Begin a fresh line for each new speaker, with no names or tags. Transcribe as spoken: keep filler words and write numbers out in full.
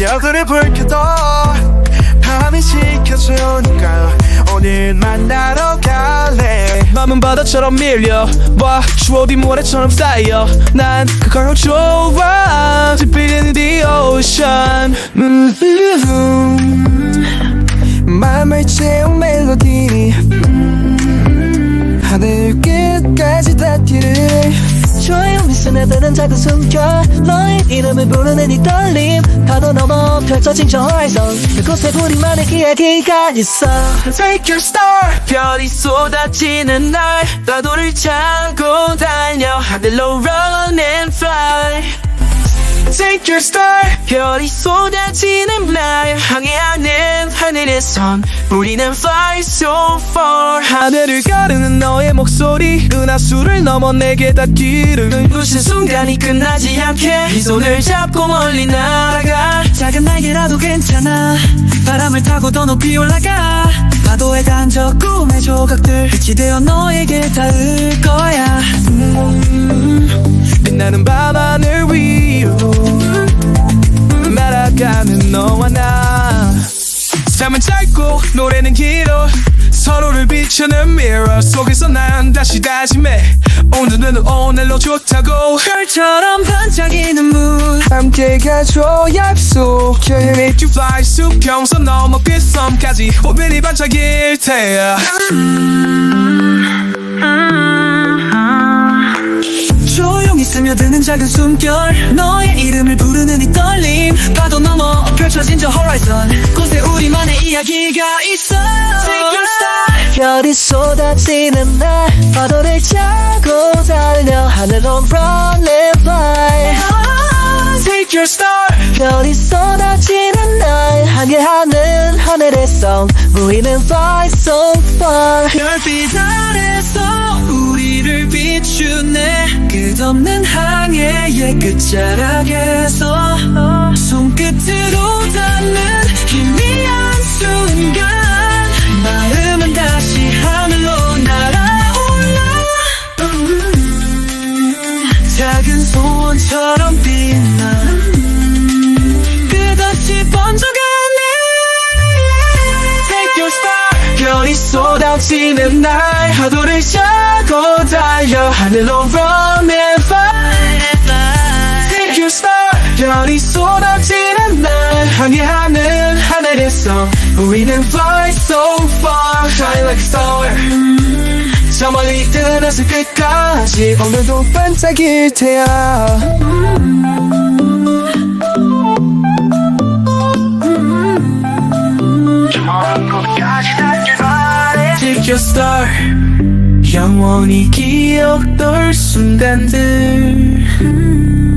별들을 불 켜도 밤이 지켜주니까 오늘 만나러 갈래.
맘은 바다처럼 밀려와 추억이 모래처럼 쌓여 난 그걸 좋아. Deep in the ocean.
음, 맘을 채운 멜로디 하늘 끝까지 닿기를.
조용히 스며드는 작은 숨결 너의 이름을 부르는 이 떨림 파도 넘어 펼쳐진 저 horizon 그곳에 우리만의 이야기가 있어.
Take your star.
별이 쏟아지는 날 파도를 타고 달려 하늘로 run and fly.
Take your star.
별이 쏟아지는 날 항해하는 하늘에선 우리는 fly so far. 하늘을 가르는 너의 목소리 은하수를 넘어 내게 닿기를. 눈부신 순간이 끝나지 않게 이 손을 잡고 멀리 날아가.
작은 날개라도 괜찮아 바람을 타고 더 높이 올라가. 파도에 던져 꿈의 조각들 빛이 되어 너에게 닿을 거야.
음, 빛나는 밤하늘 위로 날아가는 너와 나. 삶은 짧고 노래는 길어 서로를 비추는 mirror 속에서 난 다시 다짐해 오늘은 오늘로 좋다고.
별처럼 반짝이는 문
함께 가줘 약속.
Can you make you fly 수평선 넘어 빗섬까지 오늘이 반짝일 테야.
조용히 스며드는 작은 숨결 너의 이름을 부르는 이 떨림 파도 넘어 펼쳐진 저 horizon 곳에 우리만의 이야기가 있어. Take your star. 별이 쏟아지는 날 파도를 타고 달려 하늘로 run and fly.
Take your star.
별이 쏟아지는 날 항해하는 하늘에서 우리는 fly so far. 별빛 아래서 우리를 비추네 끝없는 항해의 끝자락에서 손끝으로 닿는 희미한 순간 마음은 다시 하늘로 날아올라. 작은 소원처럼 빛나 끝없이 번져가네.
Take your star. 별이 쏟아지는 날 파도를 타고 달려 하늘로 run and fly. Take your star. 별이 쏟아지는 날 항해하는 하늘에서 우리는 fly so far. Shine like a star. 저 멀리 뜨는 하늘 끝까지
오늘도 반짝일 테야.
Take your star. 영원히 기억될 순간들.